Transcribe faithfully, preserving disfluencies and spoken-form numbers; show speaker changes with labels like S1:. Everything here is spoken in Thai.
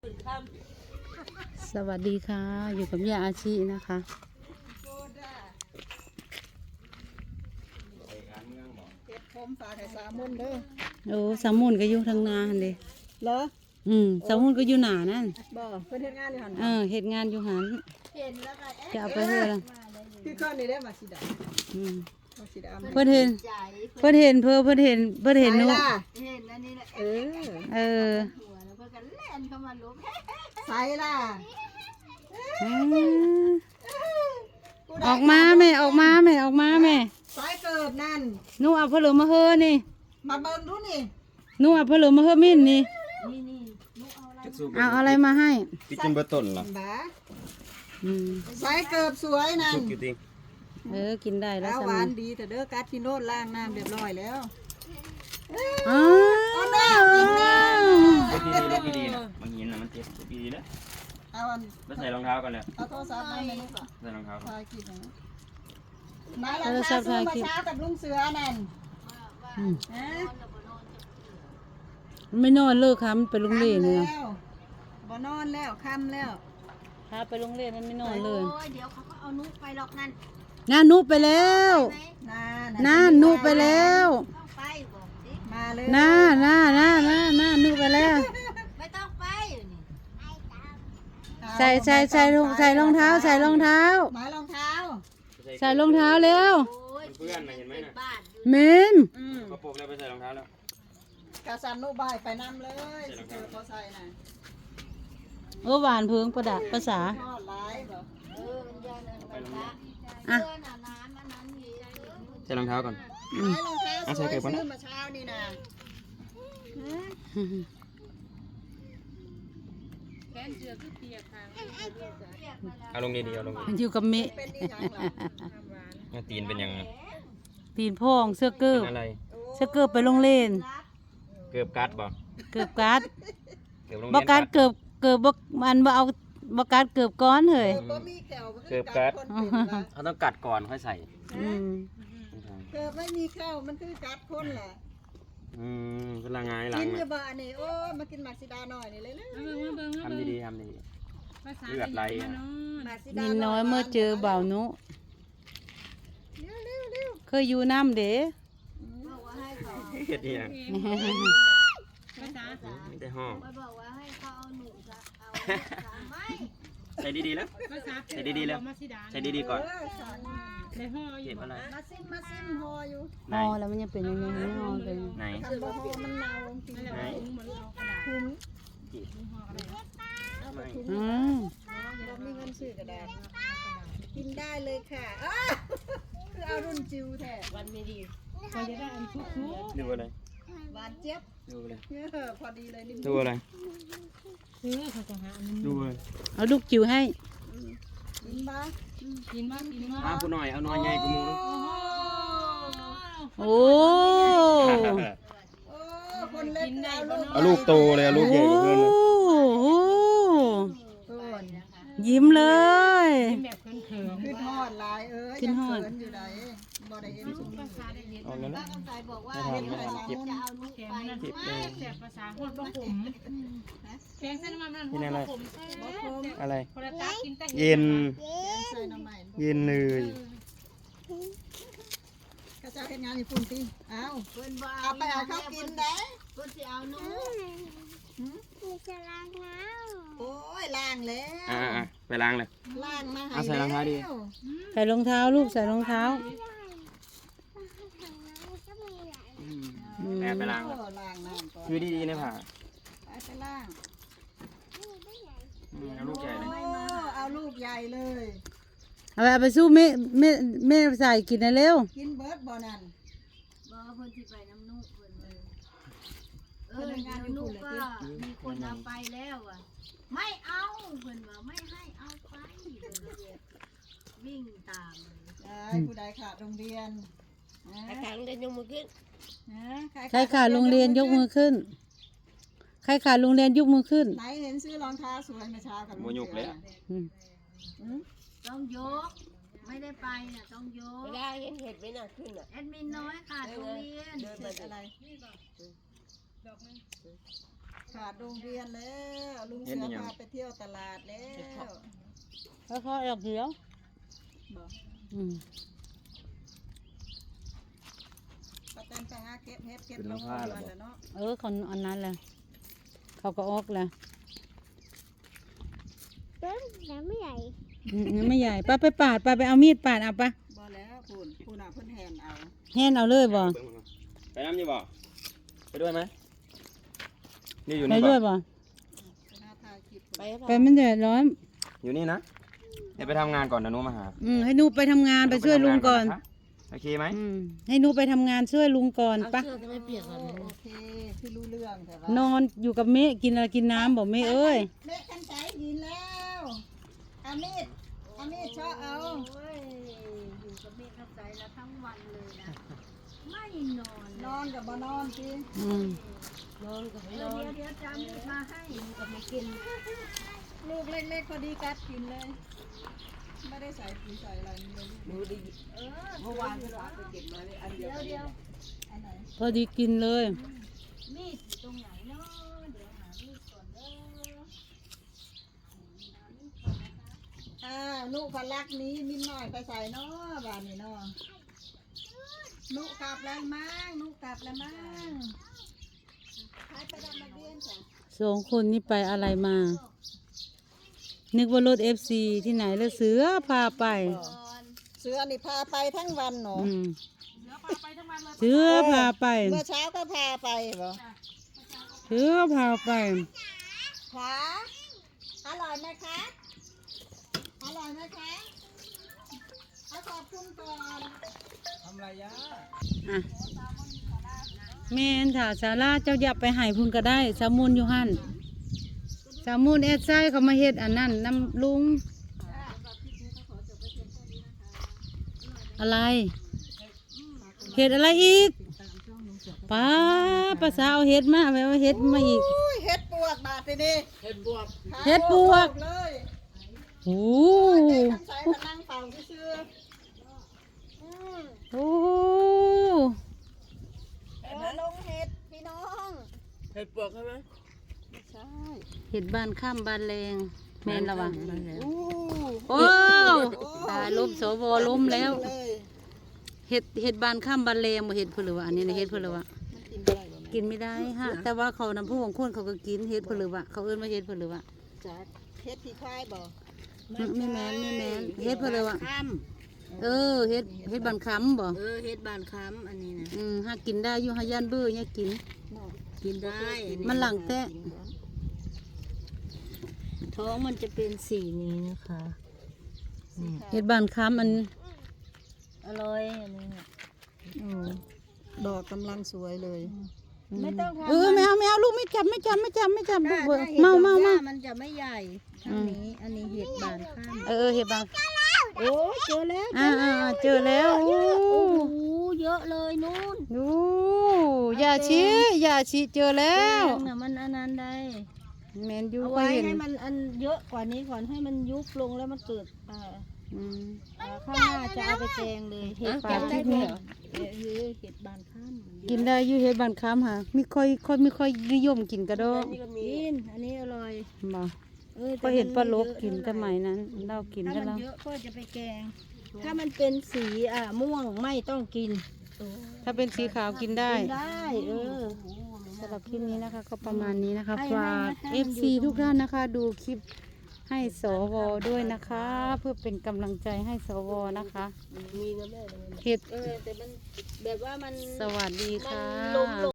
S1: สวัสดีค่ะ อยู่กับยาอาชีนะคะ
S2: เก็บผมฝากให้สามมุนเด้อ
S1: โอ้สามมุนก็อยู่ทางนาหันเด้
S2: เหรอ
S1: อืมสามมุนก็อยู่หนานั่น
S2: บ่เพิ่นเฮ็ดงานอยู่หั่น
S1: เออเฮ็ดงานอยู่หัน
S2: เห็นแล้วก็เอ๊ะ
S1: จะเอาไปเฮ็ดละ
S2: คือคนนี้ได้มาสิดา
S1: อืม
S2: มาสิดา
S1: เพิ่นเห็นเพิ่นเห็นเพิ่นเพิ่นเห็นเพิ่นเห็นหนู
S2: ล่ะ
S3: เห็นอันนี้แหละ
S2: เออ
S1: เออ
S3: หัวแล้วเพื่อนกันเล่นเข้ามาลุก
S2: ใส่ล่ะ
S1: เออออกมาแม่ออกมาแม่ออกมาแม่
S2: ใส่เกิบนั่น
S1: หนูเอาผลมาเฮอนี่
S2: มาเบิ่งดูนี่
S1: หนูเอาผลมาเฮอมิ้นนี่
S3: นี่นี่ลูกเอาอะไร
S1: เอาอะไรมาให้
S4: พี่กินเบอร์ต้นเหรอ
S2: บ้า
S1: อืม
S2: ใส่เกิบสวยนั่น
S4: สุกอยู่ดิ
S1: เออกินได้แล้ว
S2: เอา
S1: สา
S2: หวา
S1: มี
S2: นดีแต่เด้อกัดที่โนดล้างน้ำเรียบร้อยแล้ว
S1: อ๋อ
S4: ลูกดีๆลูกดีๆนะบางหินนะมันเจ็บลูกดีๆนะ
S2: เอาอัน
S4: ไปใส่รองเท้ากันเลย
S2: เอาโทรศัพท์มาให้ลูกอ่ะ
S4: ใส่รองเท้า
S2: ถ่ายคลิปหน่อยมาแล้วค่ะซื้อมาเช้ากับลุงเสือนั่น
S1: อืม
S2: ฮะ
S1: ไม่นอนเลิกค่ะมันไปโรงเรียนเลย
S2: แล้วบ่นอนแล้วค่ำแล้ว
S1: พาไปโรงเรียนมันไม่นอนเล
S3: โอ้
S1: ย
S3: ยเดี๋ยวเขาก็เอานุกไปหรอกนั่น
S1: น่านุไปแล้ว
S3: ไหม
S2: น่า
S1: น่านุไปแล้ว
S3: ต้องไปบอกสิ
S2: มาเลย
S1: น่าน่าน่าน่าน่านุไปแล้ว
S3: ไม่ต้องไปอยู่นี่
S1: ใส่ใส่ใส่รองใส่รองเท้า ใส่รองเท้า
S2: หมายรองเท้า
S1: ใส่รองเท้าเร็ว
S3: โอ้ย
S4: เพื่อนนะเห็นไหม
S3: เป็น
S4: นะ
S3: บ้านอยู่
S1: เมม
S2: อืม
S4: กระโปรงแล้วไปใส่รองเท้าแล้ว
S2: กาซันนุบายไปนำเลยสิเจอเขาใส่น่ะ
S1: เออหวานเพิงประดับภาษา
S2: ทอดหลายบ่
S3: เออมันยาวเลยมันละ
S1: อ่ะ
S3: เพื่อนอ่ะน้ำอันนั้นมีอะไรอยู่
S4: ใส่รองเท้าก่อน
S2: หมายรองเท้า
S4: เอา
S2: ส
S4: ใส่
S2: วย
S4: เก็บไว้นะ
S2: ซื้อมาเช้านี่นะฮะ
S4: เอาลงดีๆเอาลงดี
S1: มันอยู่กับเมะ
S2: เป็นนี่ยังล่ะ
S4: ๆเอาตีนเป็นยังไง
S1: ตีนพ่องเสื้อเกิ
S4: เป็
S1: บ
S4: นอะไร
S1: เสื้อเกิบไปโรงเรียน
S4: เกือบกัดบ่
S1: เกิบการ์ด
S4: เกือบโรง
S1: บ
S4: เรียน
S1: การ์ดเกิบเกิบบ่มันบ่เอาบการ์ดเกิบก้อนเฮ้ย
S2: เออบ่มีแขวมันคือกัดคนเป็นล่ะ
S4: เขาต้องกัดก่อนค่อยใส่
S1: อืม
S2: เกิดไม่มีแขวมันคือกัดคนแหละ
S4: อืมเป็นละไงหลั
S2: กิ
S4: ง
S2: นอ
S4: น่ะ
S2: ยู่บ้านนี่โอ้ยมากินหมักซิดาหน่อยนี่เลยเลย
S4: ทำดีๆทำดีๆเลือดไหลอ่ะ
S2: หมักซิดา
S1: นินน้อยเมื่อเจอบ่าวนุ
S2: เร็วเร็วเร็ว
S1: เคยอยู่น้ำเด้
S3: บอกว่าให้เขา
S4: เฮ็ดอีหยังไม่ได้ห้อง
S3: ไม่บอกว่าให้เขาเอาหนูจะเอาสามไม่
S4: ใส่ดีๆแล้วใส่ดีๆแล้วใส่ดีๆก่อน
S2: เออสั่งมา
S4: เก็บอะไร
S2: มาซิมมาซิมหออยู่
S4: ไหน
S1: อ๋อแล้วมันยังเป็นยังไงไม่นอนเป็น
S4: ไหน
S2: ทำบ่หอมันเน่าจริง
S4: ไหน
S2: ถุง
S4: ไม่
S1: อืม
S2: เรามีเงินซื้อกระดาษกินได้เลยค่ะอ้าคือเอารุ่นจิวแท้วันไม่ดี
S4: ดูอะไร
S2: หวานเจี๊ยบ
S4: ดูอะไร
S2: เออพอดีเลยนิ่ม
S4: ดูอะไรดูอะไร
S1: เอาลูกจิ๋วให้
S2: กินบ้า
S4: อ้าวผู้หน่อยเอาหน่อยใหญ่กูมูลูก
S1: โอ้
S2: โอ้คนเล็กเอาลูก
S4: เอาลูกโตเลยเอาลูกใหญ่กว่าเพื่อนเลย
S1: โห
S2: ก่อน
S1: ยิ้มเลย
S2: ขึ้นฮอดหลายเอ้ย
S1: ขึ้นฮอด
S2: ยังเขินอยู่ไหนบ่ได้เห็นชุมนี้
S4: เอาแล้วนะ
S3: ป้าคำใจบอกว่า
S4: ไม่ทำไม่ทำเก็บ
S3: จะเอานุกไป
S4: เก็บเลย
S5: แบบภาษาคนบ่ผมแกงเส้นมันมัน
S4: นี่อะไร
S5: ผมแซ่
S2: บ่คม
S4: อะไร
S5: คนละตากินแต่
S4: เย็น
S2: ใส่น้ำใหม่
S4: เย็นเลย
S2: ข้าเจ้าเฮ็ดงานอยู่ปุ่นติเอา
S3: เพิ่นบ่
S2: เอาไปเอาข้าวกินได้
S3: เพิ่นสิเอานุก
S2: โอ้ยล้างแล้ว
S4: อ่าไปล้างเลย
S2: ล้างมาให้
S4: เอาใส่รองเท้าดิ
S2: แล้ว
S1: ใส่รองเท้าลูกใส่รองเท้า
S4: แอบไปล้าง
S2: โอ้
S4: เลย
S2: ล้างน้ำก่อน
S4: คือดีๆนะผ่า
S2: ไปไปล้าง
S4: อืมเอาลูกใหญ่เลย
S2: โอ้เอาลูกใหญ่เลย
S1: เอาไปเอาไปสู้แม่แม่แม่ใส่กินนะเร็ว
S2: กินเบิร์ดบ่นั่น
S3: บอกว่าเพิ่นสิไปน้ำนุกเพิ่นเลยเออเดี๋ยวนุกก็มีคนเอาไปแล้วอ่ะไม่เอาเพิ่นว่าไม่ให้เอาไปเพิ่นก็เลยวิ่งตามเลย
S2: ได้ผู้ใดขาดโรงเรียนนะ
S3: ทางเดินยกมือขึ้น
S2: นะ
S1: ใครขาดโรงเรียนยกมือขึ้น ใครขาดโรงเรียนยกมือขึ้น
S2: ไหนเห็นซื้อรองเท้าสวยเมื่อเช้ากับ
S4: โมยุกเลยอะ
S1: อืม
S2: อืม
S3: ต้องยก ไม่ได้ไปน่ะต้องยก
S6: ไม่ได้เห็นเห็ดไหมน่ะขึ้นอ่ะ
S3: แอดมินน้อยขาดโรงเรียน
S2: เห็ดอะไรขาดโรงเรียนแล้วลุงเสือพาไปเที่ยวตลาดแล้ว
S1: แล้วเขาออกเดียว
S2: บอก
S1: อืม
S2: ป้าแตนไปหาเก็บเฮ็ดเก็บลงเรือนแล้วเนาะ
S1: เออคนอันนั้นแหละเขาก็ออกแล้ว
S7: เต้นน้ำไม่ใหญ่
S1: อืมยังไม่ใหญ่ป้าไปปาดป้าไปเอามีดปาดเอาปะ
S2: บ่แล้วคุณคุณอ่ะเพิ่นแหนเอา
S1: แห่นเอาเลยบ่
S4: ไปน้ำอยู่บ่ไปด้วยไหมนี่อยู่
S1: ไป
S4: นี่
S1: ด้วย
S4: บ่
S1: บ่
S2: ไปหาถ่ายคลิป
S6: ไป
S1: ไปมันเดือดร้อน
S4: อยู่นี่นะเดี๋ยวไปทำงานก่อนนะหนูมาหา
S1: อืมให้หนูไปทำงานไปช่วยลุงก่อน
S4: โอเคไหม
S1: อืมให้หนูไปทำงานช่วยลุงก่อนปะ
S6: เสื้อจะไม่เปียกก่อน
S2: โอเคที่รู้เรื่องแต่ว่าน
S1: อนอยู่กับเมฆกินอะไรกินน้ำบอกเมฆเอ้ย
S2: เม็ดคันใจยินแล้วเอามีดเอามีดเชาะเอา
S3: โอ้ยอยู่กับเมฆเข้าใจแล้วทั้งวันเลยนะไม่นอน
S2: นอนกับบ่นอนสิ
S1: อืม
S6: นอนกับไม่
S3: เดี๋
S6: น
S3: ยว
S6: อน
S3: เดี๋ยวจะเอามีดมาให้
S6: กับไม่กิน
S2: ลูกเล็กๆพอดีกัดกินเลย ไม่ได้ใส่ปุ๋ยใส่อะไรนี่เลย
S6: หนูดี
S3: เออ
S6: เมื่อวานที่ร้านไปเก็บมาเลยอันเดียว
S3: เดี๋ยวเดี๋ยว
S2: อันไหน
S1: พอดีกินเลย
S3: มีดอยู่ตรงไหนเนาะเดี๋ยวหามีดก่อนเด้อ
S2: อ้าวนุพลักนี้มินหน่อยไปใส่เนาะบ้านนี้เนาะนุกลับแล้วมั้งนุกลับแล้วมั้งใครไปดำมาเบี้ยนจ้ะ
S1: สองคนนี้ไปอะไรมา นึกว่ารถเอฟซีที่ไหนแล้วเสือพาไป
S2: เสือนี่พาไปทั้งวันเนาะ
S1: อืมเสือพาไป
S2: เมื่อเช้าก็พาไปบ่
S1: เสือพาไป
S2: ขาอร่อยไหมคะอร่อยไหมคะเอาขอบคุณก่อน
S1: อ่ะแม่นถ้าสาราเจ้าอยากไปใหายพุ่นก็ได้สามุนอยู่หั่นสามุนเอ็ดไซเขามาเฮ็ดอันนั้นน้ำลุง อะไร เห็ดอะไรอีกป้าภาษาเอาเห็ดมาแปลว่าเห็ดมาอีก
S2: อุ้ยเฮ็ดปวกบาดทีนี้
S6: เห็ดบวบ
S1: เฮ็ดปวก
S2: เลย
S1: โอ้
S2: เด็กทั้งสายพนังเป่าซื่อๆอืม
S1: โอ้
S2: เออลงเห็ดพี่น้อง
S6: เห็ดบวบใช่ไหม
S2: ใช่
S1: เห็ดบ้านข้ามบ้านแรงแม่นระวัง
S2: อู้
S1: โอ้ตายล้มสวล้มแล้ว
S2: เลย
S1: เห็ดเห็ดบ้านข้ามบ้านแรงบ่เห็ดเพื่อหรือวะอันนี้นะเห็ดเพื่อหรือวะ
S2: มันกินได้บ่แม่
S1: กินไม่ได้ฮะแต่ว่าเขานำผู้ของคนเขาก็กินเห็ดเพื่อหรือวะเขาเอิ้นว่าเห็ดเพื่อหรือวะ
S2: จ๊ะเฮ็ดที่ควายบ่
S1: ไม่แม่นไม่แม่นเฮ็ดเพื่อหรือวะ
S6: ข้าม
S1: เออเห็ดเห็ดบ้านค้ำบ่
S6: เออเห็ดบานค้ำอันนี้นะ
S1: อืมหากินได้อยู่หาย่านเบื่อเนี่ยกิน
S6: กินได้อั
S1: มันหลังแตะ
S6: ท้องมันจะเป็นสีนี้นะคะนี่
S1: เห็ดบ้านค้ำอัน
S6: อร่อยอันนี้เนี่ย
S1: โอ้
S2: ดอกกำลังสวยเลย
S6: ไม่ต้องทำ
S1: เออไม่เอาไม่เอาลูกไม่จับไม่จับไม่จับไม่จับลู
S6: ถ้าก
S1: เบื่อ
S6: ถ้าเห็ด
S1: เมา
S6: ดอก
S1: เมา
S6: ห
S1: เมา
S6: ญ้ามันจะไม่ใหญ่อันนี้อันนี้เห็ดบานข้าม
S1: เออเออเห็ดบ้าน
S6: โอ้เจอแล้ว
S1: อ่าอ่าอ่าเจอแล้วโอ้
S6: โอ้โหเยอะเลยนู่น
S1: ดูอย่าชี้อย่าชี้เจอแล้ว
S6: แดงน่ะมันอันนั้นได้
S1: แมนยู
S6: เอา
S1: ก็
S6: ไว้
S1: เห็น
S6: ให้มันอันเยอะกว่านี้ก่อนให้มันยุบลงแล้วมันเกิดอ่า
S1: อืม
S6: อ่าข้างหน้าจะเอาไปแกงเลยเห็ด
S1: ปลา
S6: บาน
S1: ที่
S6: ข้าม
S1: นี่
S6: เออเห็ดบานข้าม
S1: กินได้อยู่เห็ดบ้านค้ำค่ะไม่ค่อยค่อยไม่ค่อยนิยมกินกระดอง
S6: กินอันนี้อร่อย
S1: บ่
S6: ออ
S1: ก็เห็นปลาลก
S6: แต่
S1: กิน
S6: มั
S1: สมัยนั้นเรากิน
S6: ถ้า
S1: กัน
S6: มัน
S1: แล้ว
S6: เยอะก็จะไปแกง ถ้ามันเป็นสีอ่าม่วงไม่ต้องกิน
S1: ถ้าเป็นสีขาวกินได้
S6: กินได้เออ
S1: สำหรับคลิปนี้นะคะ ก็ประมาณนี้นะคะ
S6: ให้
S1: ฝาก
S6: ให้
S1: เอ
S6: มัน
S1: ฟ
S6: อยู่
S1: ซี
S6: ตรง
S1: ทุกท่านนะคะ ดูคลิปให้สวด้วยนะคะ เพื่อเป็นกำลังใจให้สวนะคะ
S6: มีนะแม่
S1: เห็ด
S6: เออแต่มันแบบว่ามัน
S1: สวัสดี
S6: มัน
S1: ค่ะ
S6: ล้มลง